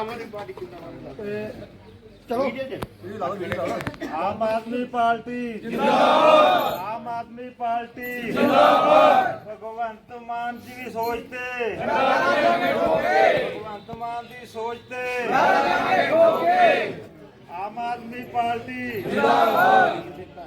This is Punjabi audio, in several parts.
चलो आम आदमी पार्टी जिंदाबाद, आम आदमी पार्टी जिंदाबाद। भगवंत मान जी भी सोचते, भगवंत मान जी सोचते, आम आदमी पार्टी जिंदाबाद।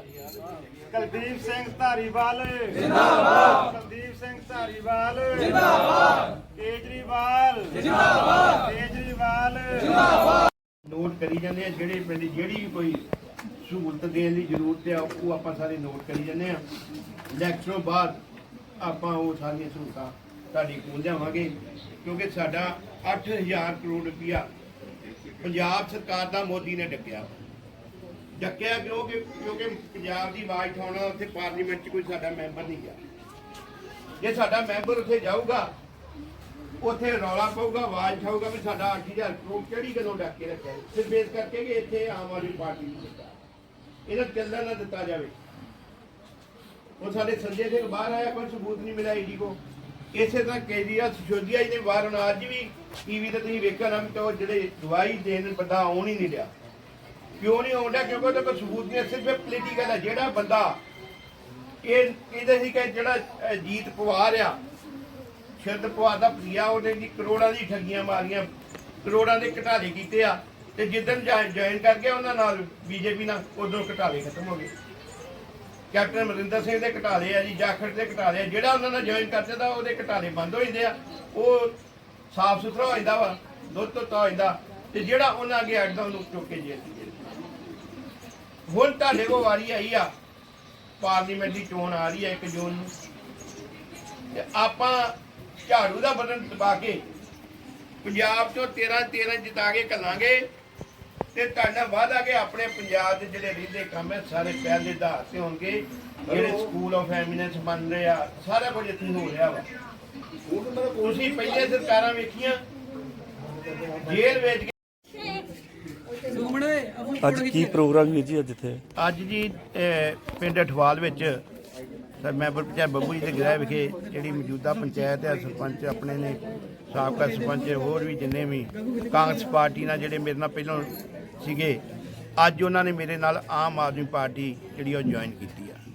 कुलदीप सिंह धारीवाल जिंदाबाद, कुलदीप सिंह धारीवाल जिंदाबाद, केजरीवाल जिंदाबाद, केजरीवाल जिंदाबाद। नोट करी जाने ਜਿਹੜੇ ਪਿੰਡ ਜਿਹੜੀ ਵੀ ਕੋਈ ਸਹੂਲਤ ਦੇਣ ਦੀ ਜ਼ਰੂਰਤ ਹੈ ਉਹ ਆਪਾਂ ਸਾਰੇ ਨੋਟ ਕਰੀ ਜਾਂਦੇ ਆ। ਇਲੈਕਸ਼ਨੋਂ ਬਾਅਦ ਆਪਾਂ ਉਹ ਸਾਰੀਆਂ ਸਹੂਲਤਾਂ ਤੁਹਾਡੇ ਕੋਲ ਲਿਆਵਾਂਗੇ ਕਿਉਂਕਿ ਸਾਡਾ 8000 ਕਰੋੜ ਰੁਪਇਆ ਪੰਜਾਬ ਸਰਕਾਰ ਦਾ ਮੋਦੀ ਨੇ ਡੱਕਿਆ ਕਿਉਂਕਿ ਪੰਜਾਬ ਦੀ ਆਵਾਜ਼ ਉਠਾਉਣਾ ਉੱਥੇ ਪਾਰਲੀਮੈਂਟ 'ਚ ਕੋਈ ਸਾਡਾ ਮੈਂਬਰ ਨਹੀਂ ਗਿਆ। ਜੇ ਸਾਡਾ ਮੈਂਬਰ ਉੱਥੇ ਜਾਊਗਾ ਉੱਥੇ ਰੌਲਾ ਪਊਗਾ, ਆਵਾਜ਼ ਉਠਾਊਗਾ ਵੀ ਸਾਡਾ 8000 ਕਰੋੜ ਕਿਹੜੀ ਗੱਲੋਂ ਡੱਕ ਕੇ ਰੱਖਿਆ ਸਿਰਫ ਇਸ ਕਰਕੇ ਕਿ ਇੱਥੇ ਆਮ ਆਦਮੀ ਪਾਰਟੀ ਦੀ ਸਰਕਾਰ ਇਹਨਾਂ ਚੱਲਣ ਨਾ ਦਿੱਤਾ ਜਾਵੇ। ਉਹ ਸਾਡੇ ਸੰਜੇ ਸਿੰਘ ਬਾਹਰ ਆਇਆ, ਕੋਈ ਸਬੂਤ ਨਹੀਂ ਮਿਲਿਆ ਈਡੀ ਕੋ। ਇਸੇ ਤਰ੍ਹਾਂ ਕੇਜਰੀਵਾਲ ਸਿਸੋਦੀਆ ਜੀ ਨੇ ਬਾਹਰ ਹੁਣ ਅੱਜ ਵੀ ਟੀਵੀ ਤੇ ਤੁਸੀਂ ਵੇਖਿਆ ਨਾ ਕਿ ਉਹ ਜਿਹੜੇ ਦਵਾਈ ਦੇਣ ਬੰਦਾ ਆਉਣ ਹੀ ਨਹੀਂ ਰਿਹਾ। ਕਿਉਂ ਨਹੀਂ ਆਉਂਦਾ? ਕਿਉਂਕਿ ਉਹਦੇ ਕੋਲ ਸਬੂਤ ਨਹੀਂ, ਸਿਰਫ ਪੋਲੀਟੀਕਲ ਹੈ। ਜਿਹੜਾ ਬੰਦਾ ਇਹ ਕਹਿੰਦੇ ਸੀ ਕਿ ਜਿਹੜਾ ਜੀਤ ਪਵਾਰ ਆ ਸ਼ਰਦ ਪਵਾਰ ਦਾ ਪ੍ਰਿਆ ਉਹਨੇ ਜੀ ਕਰੋੜਾਂ ਦੀ ਠੱਗੀਆਂ ਮਾਰੀਆਂ, ਕਰੋੜਾਂ ਦੇ ਘਟਾਲੇ ਕੀਤੇ ਆ ਤੇ ਜਿੱਦਣ ਜੁਆਇਨ ਕਰ ਗਿਆ ਉਹਨਾਂ ਨਾਲ ਬੀਜੇਪੀ ਨਾਲ ਉਦੋਂ ਘਟਾਲੇ ਖਤਮ ਹੋ ਗਏ। ਕੈਪਟਨ ਅਮਰਿੰਦਰ ਸਿੰਘ ਦੇ ਘਟਾਲੇ ਆ ਜੀ, ਜਾਖੜ ਦੇ ਘਟਾਲੇ ਆ। ਜਿਹੜਾ ਉਹਨਾਂ ਨਾਲ ਜੁਆਇਨ ਕਰ ਜਾਂਦਾ ਉਹਦੇ ਘਟਾਲੇ ਬੰਦ ਹੋ ਜਾਂਦੇ ਆ, ਉਹ ਸਾਫ਼ ਸੁਥਰਾ ਹੋ ਜਾਂਦਾ ਵਾ, ਦੁੱਧ ਧੋਤਾ ਹੋ ਜਾਂਦਾ ਤੇ ਜਿਹੜਾ ਉਹਨਾਂ ਅੱਗੇ ਅੜਦਾ ਉਹਨੂੰ ਚੁੱਕ ਕੇ ਜੇਲ੍ਹ 'ਚ। ਹੁਣ ਤੁਹਾਡੇ ਕੋਲ ਵਾਰੀ ਆਈ ਆ, ਪਾਰਲੀਮੈਂਟ ਦੀ ਚੋਣ ਆ ਰਹੀ ਹੈ 1 ਜੂਨ ਨੂੰ ਤੇ ਆਪਾਂ ਝਾੜੂ ਦਾ ਬਟਨ ਦਬਾ ਕੇ ਪੰਜਾਬ ਚੋਂ 13 ਜਿਤਾ ਕੇ ਘੱਲਾਂਗੇ ਤੇ ਤੁਹਾਡਾ ਵਾਅਦਾ ਕਿ ਆਪਣੇ ਪੰਜਾਬ ਦੇ ਜਿਹੜੇ ਰਹਿੰਦੇ ਕੰਮ ਹੈ ਸਾਰੇ ਪਹਿਲੇ ਆਧਾਰ ਤੇ ਹੋਣਗੇ। ਜਿਹੜੇ ਸਕੂਲ ਆਫ ਐਮੀਨੈਂਸ ਬਣ ਰਹੇ ਆ, ਸਾਰਾ ਕੁਝ ਇੱਥੇ ਹੋ ਰਿਹਾ ਵਾ। ਤੁਸੀਂ ਪਹਿਲੇ ਸਰਕਾਰਾਂ ਵੇਖੀਆਂ ਜੇਲ੍ਹ ਵੇਚ ਕੇ। ਅੱਜ ਕੀ ਪ੍ਰੋਗਰਾਮ ਹੈ ਜੀ? ਅੱਜ ਜੀ ਪਿੰਡ ਅਠਵਾਲ ਵਿੱਚ ਮੈਂਬਰ ਪੰਚਾਇਤ ਬੱਬੂ ਜੀ ਦੇ ਗ੍ਰਹਿ ਵਿਖੇ ਜਿਹੜੀ ਮੌਜੂਦਾ ਪੰਚਾਇਤ ਹੈ, ਸਰਪੰਚ ਆਪਣੇ ਨੇ, ਸਾਬਕਾ ਸਰਪੰਚ ਹੋਰ ਵੀ ਜਿੰਨੇ ਵੀ ਕਾਂਗਰਸ ਪਾਰਟੀ ਨਾਲ ਜਿਹੜੇ ਮੇਰੇ ਨਾਲ ਪਹਿਲਾਂ ਸੀਗੇ, ਅੱਜ ਉਹਨਾਂ ਨੇ ਮੇਰੇ ਨਾਲ ਆਮ ਆਦਮੀ ਪਾਰਟੀ ਜਿਹੜੀ ਉਹ ਜੁਆਇਨ ਕੀਤੀ ਆ।